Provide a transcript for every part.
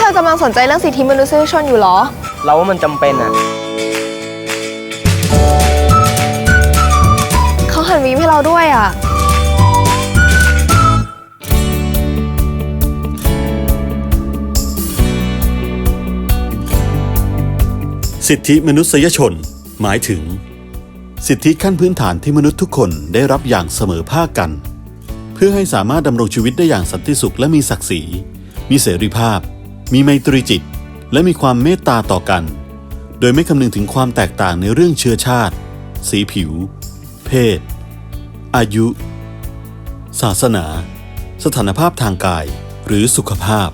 อกำลังสนใจเรื่องสิทธิมนุษยชนอยู่หรอเราว่ามันจำเป็นอ่ะเขาหันวีมให้เราด้วยอ่ะสิทธิมนุษยชนหมายถึงสิทธิขั้นพื้นฐานที่มนุษย์ทุกคนได้รับอย่างเสมอภาคกันเพื่อให้สามารถดำรงชีวิตได้อย่างสันติสุขและมีศักดิ์ศรีมีเสรีภาพมีไมตรีจิตและมีความเมตตาต่อกันโดยไม่คำนึงถึงความแตกต่างในเรื่องเชื้อชาติสีผิวเพศอายุศาสนาสถานภาพทางกายหรือสุขภาพ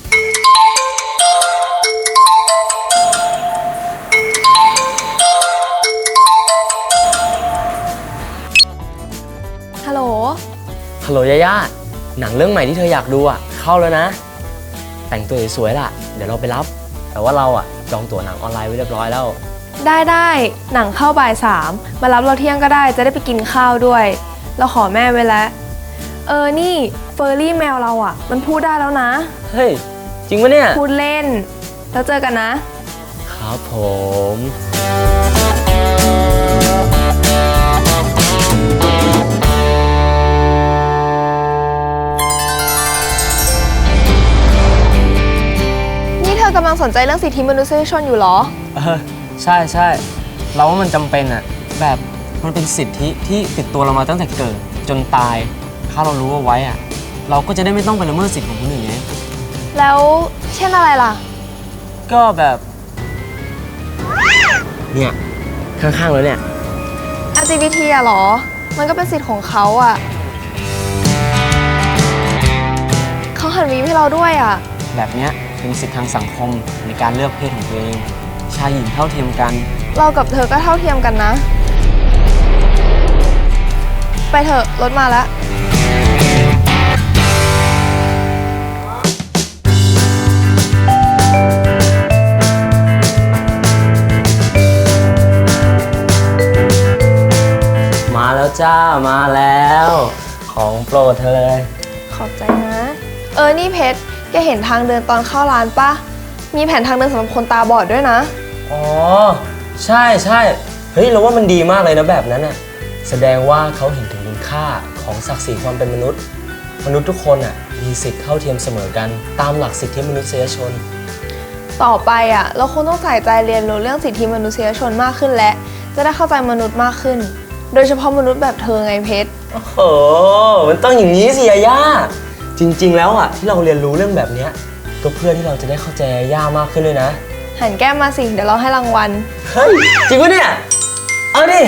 ฮัลโหลยาย่าหนังเรื่องใหม่ที่เธออยากดูอ่ะเข้าแล้วนะแต่งตัวสวยๆล่ะเดี๋ยวเราไปรับแต่ว่าเราอ่ะจองตั๋วหนังออนไลน์ไว้เรียบร้อยแล้วได้หนังเข้าบ่าย3มารับเราเที่ยงก็ได้จะได้ไปกินข้าวด้วยเราขอแม่ไว้แล้วนี่เฟอร์รี่แมวเราอ่ะมันพูดได้แล้วนะเฮ้ยจริงปะเนี่ยพูดเล่นแล้วเจอกันนะครับผมกำลังสนใจเรื่องสิทธิมนุษยชนอยู่หรอใช่เราว่ามันจำเป็นอ่ะแบบมันเป็นสิทธิที่ติดตัวเรามาตั้งแต่เกิดจนตายถ้าเรารู้เอาไว้อ่ะเราก็จะได้ไม่ต้องไปละเมิดสิทธิของคนอื่นไงแล้วเช่นอะไรล่ะก็แบบเนี่ยข้างๆแล้วเนี่ย LGBT อะหรอมันก็เป็นสิทธิ์ของเขาอะเขาหันวีมให้เราด้วยอะแบบเนี้ยเป็นสิทธิทางสังคมในการเลือกเพศของตัวเองชายหญิงเท่าเทียมกันเรากับเธอก็เท่าเทียมกันนะไปเถอะรถมาแล้วมาแล้วจ้ามาแล้วของโปรดเธอเลยขอบใจนะนี่เพชรแกเห็นทางเดินตอนเข้าร้านปะมีแผนทางเดินสำหรับคนตาบอดด้วยนะอ๋อใช่เฮ้ยเราว่ามันดีมากเลยนะแบบนั้นน่ะแสดงว่าเขาเห็นถึงคุณค่าของศักดิ์ศรีความเป็นมนุษย์ทุกคนอ่ะมีสิทธิ์เท่าเทียมเสมอกันตามหลักสิทธิมนุษยชนต่อไปอ่ะเราคงต้องใส่ใจเรียนรู้เรื่องสิทธิมนุษยชนมากขึ้นและจะได้เข้าใจมนุษย์มากขึ้นโดยเฉพาะมนุษย์แบบเธอไงเพชรโอ้โหมันต้องอย่างนี้สิยาย่าจริงๆแล้วอ่ะที่เราเรียนรู้เรื่องแบบนี้ก็เพื่อที่เราจะได้เข้าใจย่ามากขึ้นด้วยนะหันแก้มมาสิเดี๋ยวเราให้รางวัลเฮ้ยจริงปะเนี่ยเอาดิ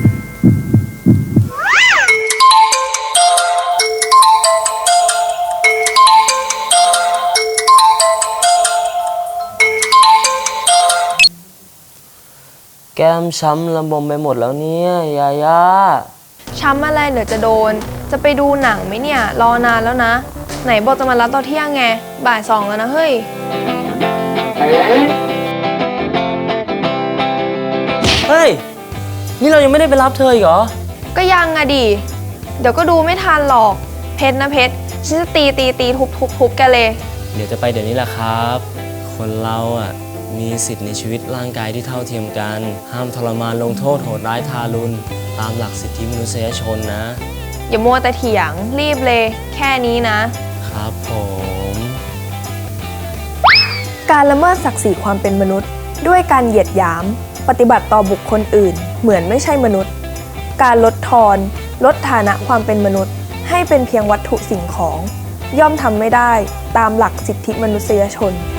แก้มช้ำระบมไปหมดแล้วเนี่ยยาย่าช้ำอะไรเดี๋ยวจะโดนจะไปดูหนังไหมเนี่ยรอนานแล้วนะไหนบอกจะมารับตอนเที่ยงไงบ่าย2แล้วนะเฮ้ยนี่เรายังไม่ได้ไปรับเธออีกเหรอก็ยังอะดิเดี๋ยวก็ดูไม่ทันหรอกเพชรนะเพชรฉันจะตีทุบแกเลยเดี๋ยวจะไปเดี๋ยวนี้แหละครับคนเราอ่ะมีสิทธิในชีวิตร่างกายที่เท่าเทียมกันห้ามทรมานลงโทษโหดร้ายทารุณตามหลักสิทธิมนุษยชนนะอย่ามัวแต่เถียงรีบเลยแค่นี้นะครับผมการละเมิดศักดิ์ศรีความเป็นมนุษย์ด้วยการเหยียดหยามปฏิบัติต่อบุคคลอื่นเหมือนไม่ใช่มนุษย์การลดทอนลดฐานะความเป็นมนุษย์ให้เป็นเพียงวัตถุสิ่งของย่อมทำไม่ได้ตามหลักสิทธิมนุษยชน